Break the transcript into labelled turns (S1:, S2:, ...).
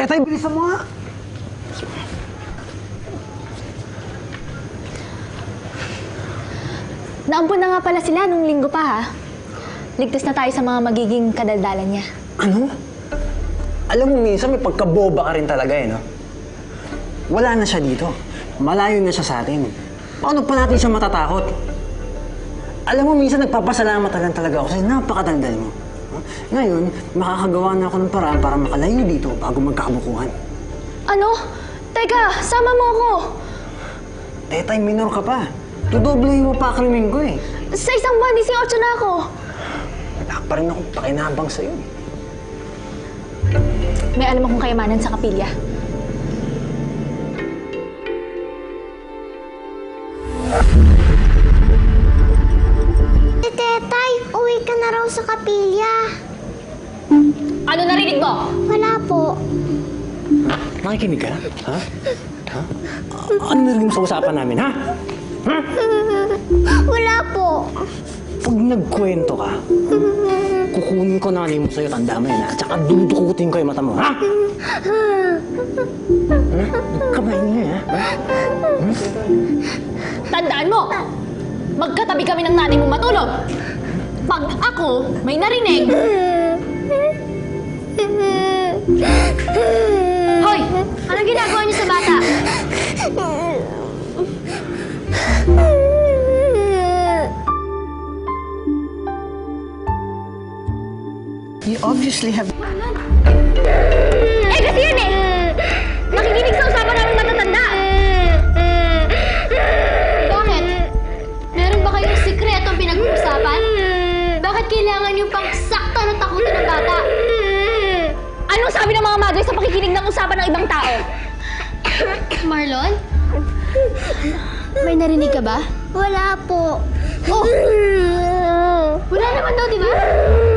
S1: Tetay, bilisan mo nga.
S2: Naampun na nga pala sila nung linggo pa, ha? Ligtas na tayo sa mga magiging kadaldalan niya.
S1: Ano? Alam mo, minsan may pagkaboba ka rin talaga eh, no? Wala na siya dito. Malayo na siya sa atin. Paano pa natin siya matatakot? Alam mo, minsan nagpapasalamat lang talaga ako sa'yo. Napakadaldal mo. Ngayon, makakagawa na ako ng paraan para makalayo dito bago magkakabukuhan.
S2: Ano? Teka, sama mo ako!
S1: Tetay, minor ka pa. Tudoblehin mo pa krimen ko eh.
S2: Sa isang buwan, 18 na ako.
S1: Wala pa rin akong pakinabang sa'yo.
S2: May alam akong kayamanan sa kapilya.
S3: Tetay, uwi ka na raw sa kapilya.
S2: Ano narinig mo?
S3: Wala po.
S1: Nakikinig ka? Ha? Ha? Ano narinig mo sa usapan namin, ha? Ha?
S3: Wala po.
S1: Pag nagkwento ka, kukunin ko nanay mo sa'yo, tanda mo yan, ha? At saka dudukutin ko yung mata mo, ha? Kamay niya, ha?
S2: Tandaan mo! Magkatabi kami ng nanay mo matulog! Pag ako may narinig... Hoy! Anong ginagawa niyo sa bata?
S1: You obviously have...
S2: Eh, kasi yan eh! Nakikinig sa usapan namin matatanda! Bakit? Meron ba kayong sikretong pinag-uusapan? Bakit kailangan yung pangsakta na takutin ng bata? Anong sabi ng mga madre sa pakikinig ng usapan ng ibang tao? Marlon? May narinig ka ba?
S3: Wala po.
S2: Oh! Wala naman daw, di ba?